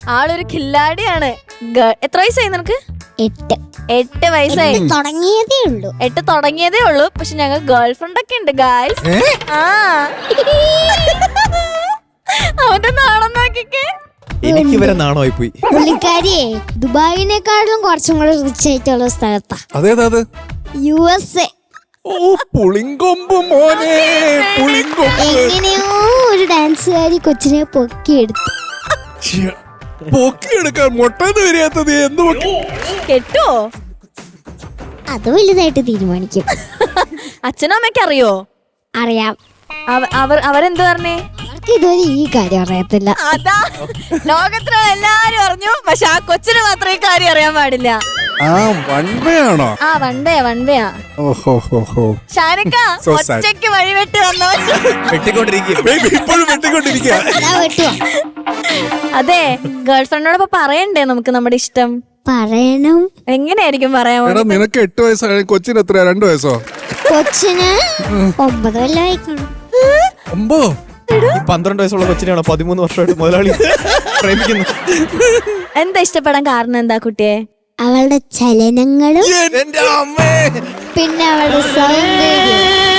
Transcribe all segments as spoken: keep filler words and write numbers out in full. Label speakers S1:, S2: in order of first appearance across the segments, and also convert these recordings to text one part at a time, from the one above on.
S1: ആളൊരു കില്ലാടിയാണ്. എത്ര വയസ്സായി നിനക്ക്?
S2: എട്ട്
S1: എട്ട് വയസ്സായി.
S2: തുടങ്ങിയതേ ഉള്ളൂ.
S1: എട്ട് തുടങ്ങിയതേ ഉള്ളൂ. പക്ഷെ ഞങ്ങൾ ഗേൾ ഫ്രണ്ട് ഒക്കെ ഉണ്ട് ഗായ്സ്. ആ അവന്റെ നാണം നോക്കിക്കേ.
S3: എനിക്ക് ഇവരെ നാണമായി പോയി.
S2: പുള്ളിക്കാരിയെ ദുബായിനെക്കാളും കുറച്ചും കൂടെ റിച്ച് ആയിട്ടുള്ള സ്ഥലത്താ.
S4: അതേതാ അത്?
S2: U S A.
S4: ഓ പുളിങ്കൊമ്പ് മോനെ, പുളിങ്കൊമ്പ്.
S2: എങ്ങനെയോ ഒരു ഡാൻസുകാരി കൊച്ചിനെ പൊക്കിയെടുത്തു.
S4: പൊക്കിയെടുക്കാൻ മുട്ടന്ന് വരികത്തത് എന്ത് പൊക്കി?
S1: കെട്ടോ?
S2: അത് വലുതായിട്ട് തീരുമാനിക്കും.
S1: അച്ഛനും അമ്മയ്ക്ക് അറിയോ?
S2: അറിയാം.
S1: അവർ അവരെന്ത് പറഞ്ഞേ?
S2: അവർക്ക് ഇതുവരെ ഈ കാര്യം അറിയത്തില്ല.
S1: അതാ ലോകത്തിലുള്ള എല്ലാരും അറിഞ്ഞു, പക്ഷെ ആ കൊച്ചിന് മാത്രം ഈ കാര്യം അറിയാൻ പാടില്ല.
S4: ആ വൺവയാണോ?
S1: ആ വൺവേ വൺവേയാ.
S4: ഓഹോ
S1: ഷാനിക്ക ഒറ്റയ്ക്ക് വഴിവെട്ടി വന്നോ?
S4: ഇപ്പോഴും വെട്ടിക്കൊണ്ടിരിക്കുക.
S1: അതെ, ഗേൾ ഫ്രണ്ടിനോടൊപ്പം പറയണ്ടേ നമുക്ക് നമ്മുടെ ഇഷ്ടം?
S2: പറയണം.
S1: എങ്ങനെയായിരിക്കും പറയാമോ?
S4: എടാ നിനക്ക് എട്ട് വയസ്സായ കൊച്ചിന് എത്രയാ? രണ്ടു വയസ്സോ?
S2: കൊച്ചിന് ഒമ്പത് കൊല്ലമായി കാണും.
S4: ഒമ്പതോ?
S3: പന്ത്രണ്ട് വയസ്സുള്ള കൊച്ചിനെയാണോ പതിമൂന്ന് വർഷമായിട്ട് മുതലാളി പ്രേമിക്കുന്നു?
S1: എന്താ ഇഷ്ടപ്പെടാൻ കാരണം എന്താ കുട്ടിയെ?
S2: അവളുടെ ചലനങ്ങളും പിന്നെ അവളുടെ സൗന്ദര്യം.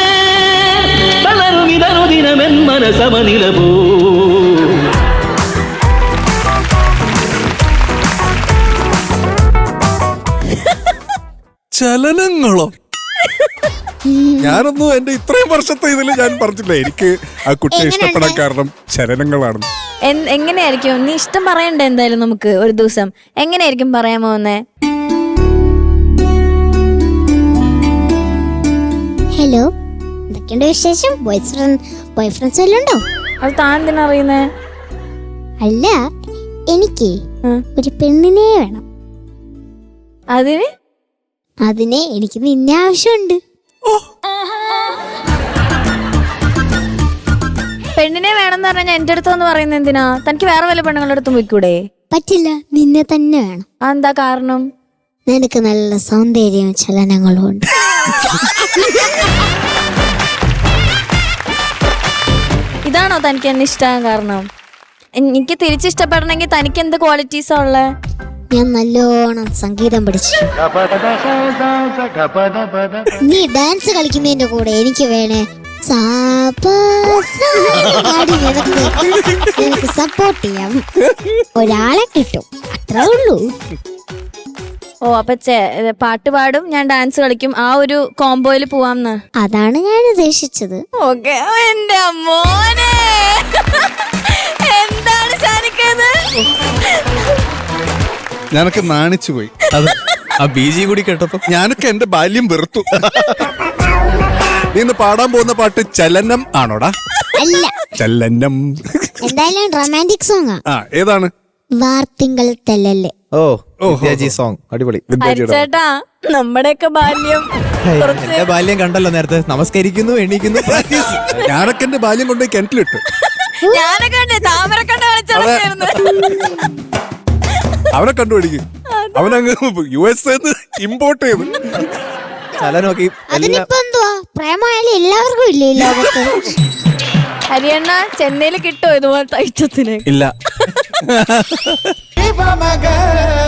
S4: ചലനങ്ങളോ? ഞാനൊന്നും എന്റെ ഇത്രയും വർഷത്തെ ഇതില് ഞാൻ പറഞ്ഞില്ല എനിക്ക് ആ കുട്ടിയെ ഇഷ്ടപ്പെടാൻ കാരണം ചലനങ്ങളാണ്.
S1: എങ്ങനെയായിരിക്കും നീ ഇഷ്ടം പറയണ്ടേ? എന്തായാലും നമുക്ക് ഒരു ദിവസം എങ്ങനെയായിരിക്കും പറയാമോ? എന്നേ
S2: ഹലോ, എന്തൊക്കെയുണ്ട് വിശേഷം? ബോയ് ഫ്രണ്ട് ബോയ് ഫ്രണ്ട്സ് വല്ലതും ഉണ്ടോ?
S1: അത് താൻ എന്തിനാ അറിയുന്നേ?
S2: അല്ല, എനിക്ക് ഒരു പെണ്ണിനെ വേണം.
S1: അതിന്
S2: അതിനെ എനിക്ക് നിന്നെ ആവശ്യമുണ്ട്.
S1: പെണ്ണിനെ വേണമെന്ന് പറഞ്ഞാൽ എന്റെ അടുത്തൊന്ന് പറയുന്നത് എന്തിനാ? തനിക്ക് വേറെ വല്ല പെണ്ണുങ്ങളുടെ അടുത്തും പോയിക്കൂടെ?
S2: പറ്റില്ല, നിന്നെ തന്നെ വേണം.
S1: എന്താ കാരണം?
S2: നിനക്ക് നല്ല സൗന്ദര്യവും ചലനങ്ങളും ഉണ്ട്.
S1: ഇതാണോ തനിക്ക് എന്നെ ഇഷ്ടമാകാൻ കാരണം? എനിക്ക് തിരിച്ചിഷ്ടപ്പെടണമെങ്കിൽ തനിക്ക് എന്ത് ക്വാളിറ്റീസാ ഉള്ളേ?
S2: ഞാൻ നല്ലോണം സംഗീതം പഠിച്ചു. നീ ഡാൻസ് കളിക്കുന്നതിന്റെ കൂടെ എനിക്ക് വേണേ എനിക്ക് സപ്പോർട്ട് ചെയ്യാം. ഒരാളെ കിട്ടും, അത്രേ ഉള്ളൂ.
S1: ഓ അപ്പൊ പാട്ട് പാടും, ഞാൻ ഡാൻസ് കളിക്കും, ആ ഒരു കോംബോയിൽ പോവാംന്ന്?
S2: അതാണ് ഞാൻ ഉദ്ദേശിച്ചത്.
S1: ഓക്കെ. എന്റെ മോനെ എന്താണ് ഷാനിക്കത്?
S4: ഞാനൊക്കെ നാണിച്ചു പോയി.
S3: അത് ആ ബീജി കൂടി കേട്ടപ്പോ
S4: ഞാനൊക്കെ എന്റെ ബാല്യം വെറുത്തു. നീ ഇന്ന് പാടാൻ പോകുന്ന പാട്ട് ചലനം ആണോടാ?
S2: അല്ല,
S4: ചലനം.
S2: എന്തായാലും റൊമാൻറ്റിക് സോങ്.
S4: ആ ഏതാണ്?
S2: വാർത്തിങ്കൾ തെല്ലല്ലേ.
S3: ഓ വിദ്യാജി സോങ് അടിപൊളി.
S1: ചേട്ടാ നമ്മുടെയൊക്കെ ബാല്യം
S3: എന്റെ ബാല്യം കണ്ടല്ലോ നേരത്തെ. നമസ്കരിക്കുന്നു, എണീക്കുന്നു, പ്രാക്ടീസ്.
S4: ഞാനൊക്കെ എന്റെ ബാല്യം കൊണ്ടുപോയി കിണറ്റിലിട്ടു.
S1: ഞാനൊക്കെ ഉണ്ട് താമരക്കണ്ട കളിച്ചായിരുന്നു.
S4: അവനെ കണ്ടുപിടിക്കും. അവനങ്ങ് യു എസ് ഇമ്പോർട്ട് ചെയ്തു.
S3: ചലനമൊക്കെ
S2: അതിനിപ്പോ എന്തുവാ? പ്രേമായാലും എല്ലാവർക്കും ഇല്ലേ ഈ ലോകത്ത്?
S1: ഹരിയണ്ണ ചെന്നൈയിൽ കിട്ടുമോ ഇതുപോലത്തെ ഐറ്റത്തിന്?
S3: ഇല്ല.